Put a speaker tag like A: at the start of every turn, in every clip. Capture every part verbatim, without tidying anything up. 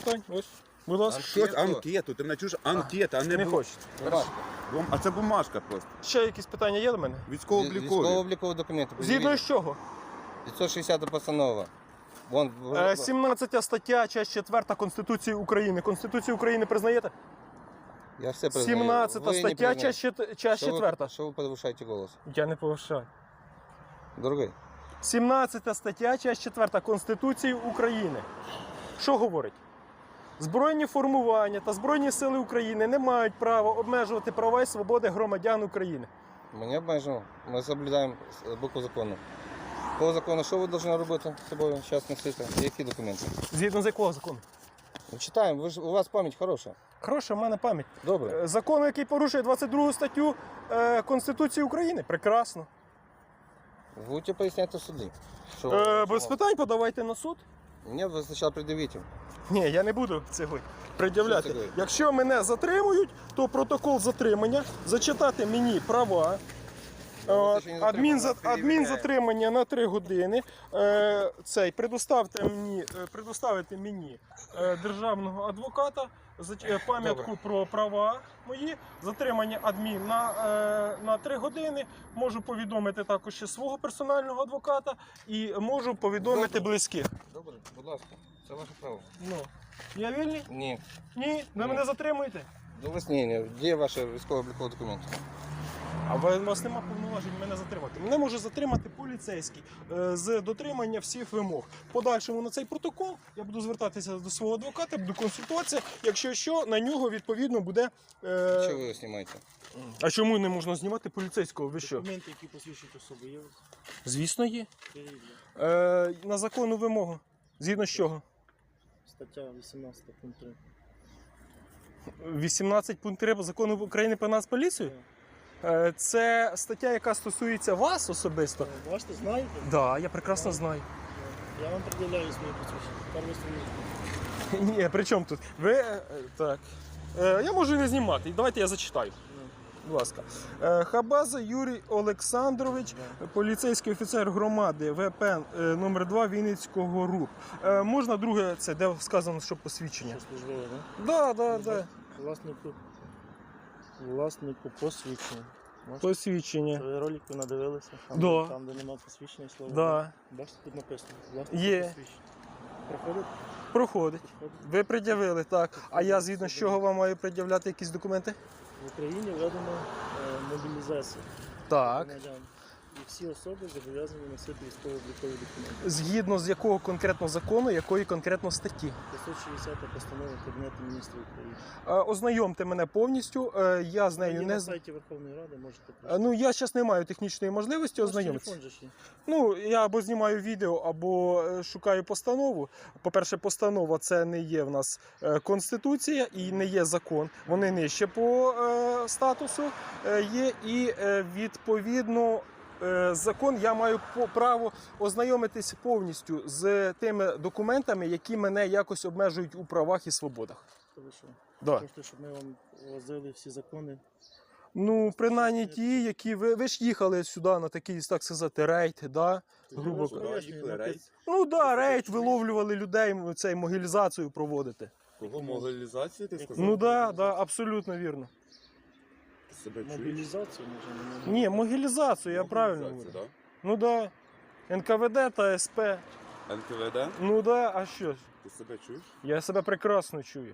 A: питань. Ось. Будь ласка.
B: Щось анкету, ти мене чуєш? Анкета, а не
A: Не
B: бу-
A: хочете.
C: Бумажка.
B: Бум- А це бумажка просто.
A: Ще якісь питання є до мене?
B: Військово-облікові.
C: Військово-облікові документи.
A: Згідно з чого?
C: п'ятсот шістдесята постанова. Вон,
A: Е, сімнадцята стаття, часть четверта Конституції України. Конституцію України признаєте?
C: Я все признаю.
A: сімнадцята
C: Ви не
A: стаття,
C: признаєте.
A: часть, чет- часть
C: Що ви-
A: четверта.
C: Що ви повишаєте голос?
A: Я не повишаю.
C: Дорогий,
A: сімнадцята стаття, часть четверта Конституції України. Що говорить? Збройні формування та Збройні сили України не мають права обмежувати права і свободи громадян України.
C: ми не обмежуємо. Ми соблюдаємо букву закону. По закону, що ви повинні робити з собою? Зараз носити. Які документи?
A: Згідно з якого закону?
C: Ну, читаємо, ви ж, у вас пам'ять хороша.
A: Хороша в мене пам'ять.
C: Добре.
A: Е, Закон, який порушує двадцять другу статтю е, Конституції України. Прекрасно.
C: Будете поясняти в суді. Що,
A: Е,
C: що
A: без
C: вам?
A: питань подавайте на суд.
C: Мені ви спочатку пред'явіть.
A: Ні, я не буду цього пред'являти.
C: Що це таке?
A: Якщо мене затримують, то протокол затримання, зачитати мені права.
C: Ну,
A: Е,
C: ти ще не
A: Адмін, за-
C: затриманий,
A: адмін
C: перевіряє.
A: затримання на три години. Е, Цей, предоставте мені, е, предоставити мені е, державного адвоката, за- е, пам'ятку
C: Добре.
A: про права мої, затримання адмін на, е, на три години. Можу повідомити також ще свого персонального адвоката і можу повідомити
C: Добре.
A: близьких.
C: Добре, будь ласка, це ваше право.
A: Ну, я вільний?
C: Ні.
A: Ні, ви
C: Ні.
A: мене затримуєте.
C: До вас ні, ні. Де ваші військово-облікові документи?
A: А ви- у вас немає повноважень мене затримати. Мене може затримати поліцейський е, з дотримання всіх вимог. В подальшому на цей протокол я буду звертатися до свого адвоката, буду консультуватися. Якщо що, на нього відповідно буде. Е...
C: Що ви його знімаєте?
A: А чому не можна знімати поліцейського? Ви що?
D: Документи, які посвідчують особу, є у вас?
A: Звісно, є.
D: Перевірте.
A: Е, на законну вимогу. Згідно з чого?
D: Стаття вісімнадцята пункт три.
A: вісімнадцять пункт три закону України про Нацполіцію? Е, це стаття, яка стосується вас особисто.
D: Е, Бачите, знаєте?
A: Так, да, я прекрасно знаю.
D: Я вам пред'являю свої посвідчення. Тепер ви свої.
A: Ні, при чому тут? Ви. е, Так. Е, Я можу не знімати. Давайте я зачитаю. Будь ласка. Е, Хабаза Юрій Олександрович, поліцейський офіцер громади ВП е, номер два Вінницького РУП. Е, Можна друге, це де сказано, що посвідчення?
D: Що службове, так?
A: Так, так, так.
D: Власнику. Власнику посвідчення. Бачите?
A: Посвідчення.
D: Ви ролик ви надивилися? Там,
A: Да.
D: там де немає посвідчення слова.
A: Да.
D: Бачите, тут написано. Власнику
A: Є.
D: посвідчення. Проходить?
A: Проходить.
D: Проходить.
A: Ви пред'явили, так. А я згідно з чого вам маю пред'являти якісь документи?
D: В Україні введено е, мобілізацію
A: Так.
D: громадян. І всі особи зобов'язані носити військово-облікові документи.
A: Згідно з якого конкретно закону, якої конкретно статті?
D: п'ятсот шістдесята постанова Кабінету міністрів України.
A: Е, Ознайомте мене повністю. Е, Я з нею
D: Є
A: не
D: на
A: з-
D: сайті Верховної Ради, можете
A: Е,
D: прочитати.
A: Ну, я зараз не маю технічної можливості
D: Ваш
A: ознайомитися.
D: телефон же ж є.
A: Ну, я або знімаю відео, або е, шукаю постанову. По-перше, постанова це не є в нас е, конституція і не є закон. Вони нижче по е, статусу е, є. І е, відповідно е, закон я маю по- право ознайомитись повністю з тими документами, які мене якось обмежують у правах і свободах.
D: То ви що?
A: Да.
D: Хочете, щоб ми вам возили всі закони?
A: Ну, принаймні ті, які ви, ви ж їхали сюди на такий, так сказати, рейд, да? грубо
D: Ну,
A: кажучи.
D: пояснюю,
B: їхали,
D: напис-
B: рейд.
A: Ну да, рейд, виловлювали людей, цей могилізацію проводити.
B: Кого мобілізацію ти сказав?
A: Ну да, да, абсолютно вірно.
B: Ти себе чуєш?
D: Мобілізацію може не
A: Ні, могилізацію, я правильно говорю.
B: Мобілізацію,
A: Ну да. ен ка ве де та ес пе.
B: да? ен ка ве де?
A: Ну да, а що ж?
B: Ти себе чуєш?
A: Я себе прекрасно чую.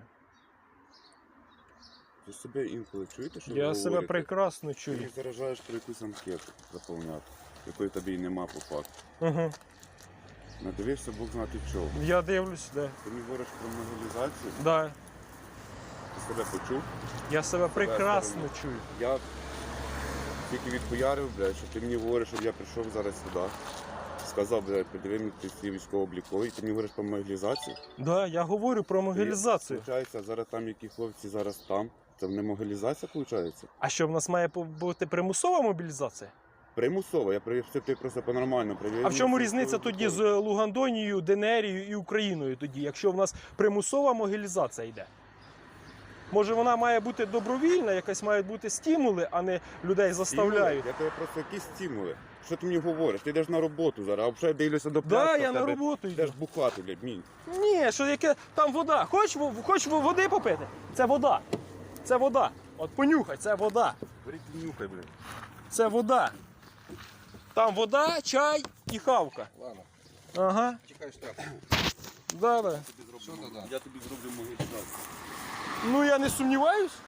B: Ви себе інколи чуєте, що ви
A: Я себе
B: говорите?
A: прекрасно
B: Ти
A: чую.
B: мені заражаєш про якусь анкету заповняти, якої тобі й нема по факту.
A: Угу.
B: Надивився Бог знати чого.
A: Я дивлюсь, да.
B: Ти мені говориш про мобілізацію,
A: Да.
B: ти себе почув.
A: Я себе прекрасно
B: сторони.
A: чую.
B: Я тільки відхуярив, блядь, що ти мені говориш, щоб я прийшов зараз сюди. Сказав, блядь, подиви мені ти всі військово-облікові, ти мені говориш про мобілізацію.
A: Да, я говорю про могилізацію.
B: Получається, зараз там які хлопці зараз там. Це не мобілізація, виходить?
A: А що в нас має бути примусова мобілізація?
B: Примусово, я привів ти просто по-нормально привів.
A: А в чому різниця тоді з Лугандонією, Денерією і Україною тоді, якщо в нас примусова могилізація йде? Може вона має бути добровільна, якась мають бути стимули, а не людей заставляють.
B: Я тебе просто якісь стимули. Що ти мені говориш? Ти йдеш на роботу зараз, а вже дивлюся до
A: Да,
B: пляшки,
A: я
B: в
A: на
B: тебе
A: роботу
B: йдеш
A: йду.
B: бухати, блядь, мінь.
A: Ні, що яке там вода. Хочеш, во- хочеш во- води попити? Це вода. Це вода. От понюхай, це вода.
B: Бери ти нюхай, блядь.
A: Це вода. Там вода, чай і хавка.
C: Ладно,
A: Ага.
C: чекай штраф.
A: Да, да.
C: Що ти дам?
B: Я тобі зроблю могилу.
A: Ну я не сумніваюсь.